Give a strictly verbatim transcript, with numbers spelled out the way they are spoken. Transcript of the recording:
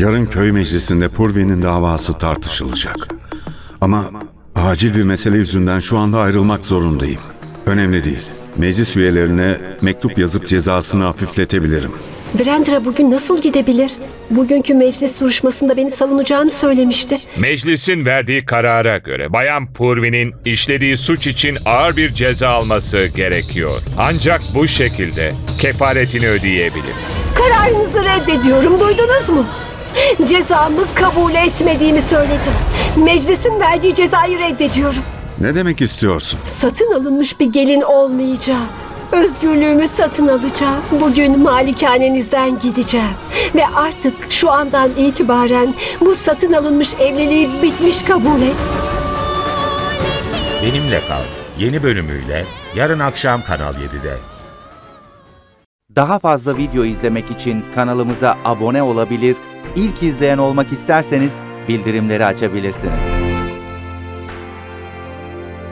Yarın köy meclisinde Purvi'nin davası tartışılacak. Ama acil bir mesele yüzünden şu anda ayrılmak zorundayım. Önemli değil. Meclis üyelerine mektup yazıp cezasını hafifletebilirim. Brandra bugün nasıl gidebilir? Bugünkü meclis duruşmasında beni savunacağını söylemişti. Meclisin verdiği karara göre Bayan Purvi'nin işlediği suç için ağır bir ceza alması gerekiyor. Ancak bu şekilde kefaretini ödeyebilir. Kararınızı reddediyorum, duydunuz mu? Cezamı kabul etmediğimi söyledim. Meclisin verdiği cezayı reddediyorum. Ne demek istiyorsun? Satın alınmış bir gelin olmayacağım. Özgürlüğümü satın alacağım. Bugün malikanenizden gideceğim. Ve artık şu andan itibaren bu satın alınmış evliliği bitmiş kabul et. Benimle Kal yeni bölümüyle yarın akşam Kanal yedide. Daha fazla video izlemek için kanalımıza abone olabilir, ilk izleyen olmak isterseniz bildirimleri açabilirsiniz.